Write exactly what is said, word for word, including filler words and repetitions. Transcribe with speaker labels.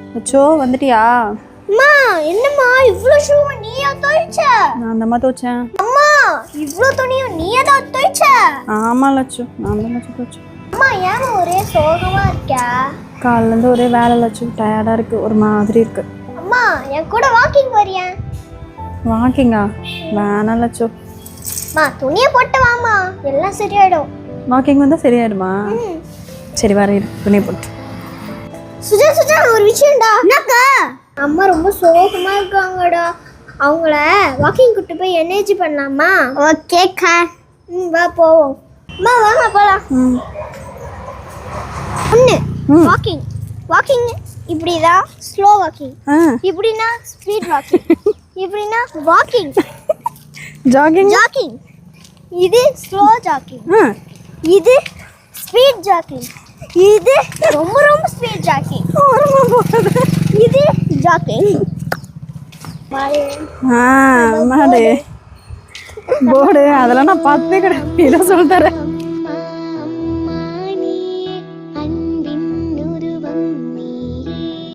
Speaker 1: அச்சோ வந்துட்டியா?
Speaker 2: அம்மா என்னம்மா இவ்ளோ ஷூ நீயா துவைச்ச?
Speaker 1: நான் தான் துவைச்சேன்.
Speaker 2: அம்மா இவ்ளோ துணியும் நீயா தான் துவைச்ச?
Speaker 1: ஆமா லட்சு, நான் தான் லட்சு துவைச்சேன்.
Speaker 2: அம்மா ஏன் ஒரே சோகமா இருக்க?
Speaker 1: காலைல இருந்து ஒரே வேலை லட்சு, டயர்டா இருக்கு, ஒரு மாதிரி இருக்கு.
Speaker 2: அம்மா என் கூட வாக்கிங் வரியா?
Speaker 1: வாக்கிங்கா? வேணாம் லட்சு.
Speaker 2: அம்மா துணியை போட்டு வாமா, எல்லாம் சரியாயிடும்.
Speaker 1: வாக்கிங் வந்தா சரியாயிடுமா? சரி வர இரு, துணியை போட்டு.
Speaker 2: சுஜா சுஜா ஒரு விஷயம்டா. என்னக்கா? அம்மா ரொம்ப சோகமா இருக்காங்கடா, அவங்கள வாக்கிங் கூட்டு போய் எனர்ஜி பண்ணலாமா? ஓகேக்கா. ம் வா போவோம். அம்மா வாங்க போலாம்.
Speaker 1: ம்
Speaker 2: ஒன்று வாக்கிங் வாக்கிங் இப்படிதான் ஸ்லோ வாக்கிங்,
Speaker 1: ஆ
Speaker 2: இப்படின்னா ஸ்பீட் வாக்கிங், இப்படின்னா வாக்கிங்
Speaker 1: ஜாகிங்.
Speaker 2: ஜாக்கிங் இது ஸ்லோ ஜாக்கிங்,
Speaker 1: ஆ
Speaker 2: இது ஸ்பீட் ஜாக்கிங், இது ரொம்ப ரொம்ப ஸ்பீட் ஜாக்கிங்,
Speaker 1: ஓரமா போகுது.
Speaker 2: இது ஜாக்கிங்.
Speaker 1: ஆ மாடு போர்டு அதெல்லாம் நான் பார்த்தே கிடையாது. இதை சொல்லித்தரேன்.